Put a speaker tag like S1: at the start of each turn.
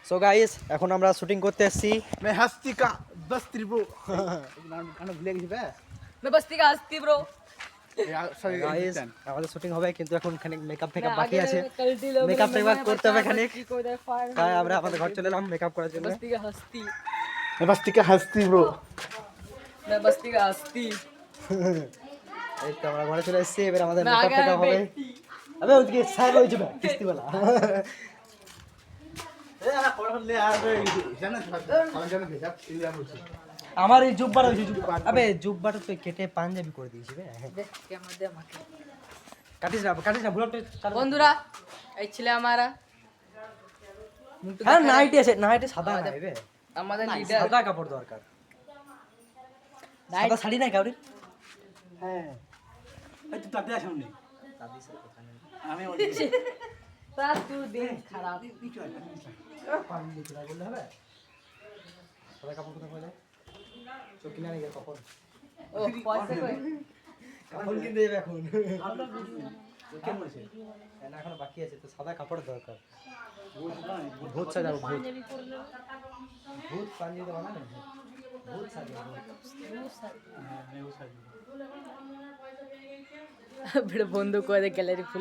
S1: So guys এখন আমরা shooting করতে এসেছি।
S2: मैं हस्ती का बस्ती ब्रो गाना भूल गई बे
S3: मैं बस्ती का हस्ती ब्रो।
S2: यार सॉरी
S1: গাইস আমাদের শুটিং হবে কিন্তু এখন খানিক মেকআপ বাকি আছে। মেকআপ একবার করতে হবে খানিক। তাই আমরা আমাদের ঘর চলে এলাম মেকআপ করার জন্য।
S3: बस्ती का हस्ती,
S2: मैं बस्ती का हस्ती ब्रो
S3: मैं बस्ती का हस्ती।
S1: এই তো আমরা ঘরে চলে এসেছি, এবার আমাদের
S3: मैं आ
S1: মেকআপ
S3: गया
S1: হবে।
S3: बेटी।
S1: আবে ওদিকে স্যার হয়ে যাবে কিস্তিওয়ালা।
S2: ए यार कौन ले आ रे जाना कौन जाना भेजा इंडिया बोलছি
S1: আমার এই জুব্বার হইছে জুব্বার। আবে জুব্বাটা তো কেটে পাঞ্জাবি করে দিয়েছি বে।
S3: देख क्या मध्य माके।
S1: কাটিস না বুলাটা চালু।
S3: বন্ধুরা এই ছিল আমারা
S1: হ্যাঁ নাইটি আছে, নাইটি সাদা নাই বে।
S3: আমাদের লিডার
S1: সাদা কাপড় দরকার। সাদা শাড়ি নাই কাউরি?
S2: হ্যাঁ এই তো তাতে আসুন নি
S1: দাদি স্যার কোথায় নেই?
S2: আমি
S3: তার তু দিন খারাপ।
S1: পানি দিতে বললে হবে? সাদা কাপড় কোথায় পাওয়া যায়? চোখ কিনে আনি কাপড়।
S3: ও পয়সা কই?
S1: কাপড় কিনতে যাবে এখন।
S2: কেমন আছে
S1: না এখনো বাকি আছে তো সাদা কাপড়ের দরকার। ভূত সাজাবো ভূত। ভূত পাঞ্জাবি বানাবে না? ভূত সাজাবো।
S3: ভিড় বন্ধ করে গ্যালারি ফুল